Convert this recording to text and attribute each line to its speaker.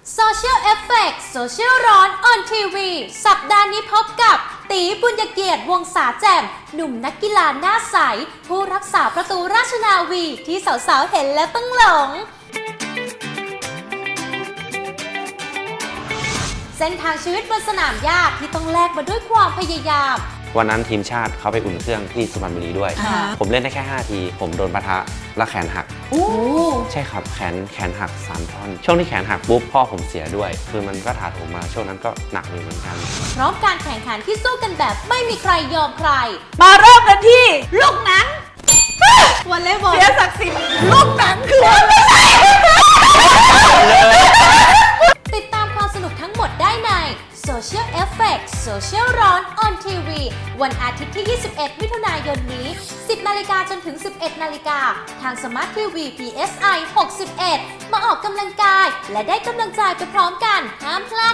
Speaker 1: Social Effect Social ร้อน on TV สัปดาห์นี้พบกับตีบุญเกียรติวงศาแจ่มหนุ่มนักกีฬาหน้าใสผู้รักษาประตูราชนาวีที่สาวๆเห็นแล้วต้องหลงเส้นทางชีวิตบนสนามหญ้าที่ต้องแลกมาด้วยความพยายาม
Speaker 2: วันนั้นทีมชาติเขาไปอุ่นเครื่องที่สุพรรณบุรีด้วยผมเล่นได้แค่5ทีผมโดนปะทะและแขนหักใช่ครับแขนหัก3 ท่อนช่วงที่แขนหักปุ๊บพ่อผมเสียด้วยคือมันก็ถาโถมมาช่วงนั้นก็หนักอยู่เหมือนกัน
Speaker 1: พร้อมการแข่งขันที่สู้กันแบบไม่มีใครยอมใคร
Speaker 3: มาเริ่มกันที่ลูกหนัง
Speaker 1: วอลเลย์บอล
Speaker 3: เสียศักดิ์ศรีลูกหนังคืออะไร
Speaker 1: ติดตามความสนุกทั้งหมดได้ใน Social Effect Social ร้อน on TV วันอาทิตย์ที่ 21 มิถุนายนนี้ 10 นาฬิกาจนถึง 11 นาฬิกาทาง Smart TV PSI 61 มาออกกำลังกายและได้กำลังใจไปพร้อมกันห้ามพลาด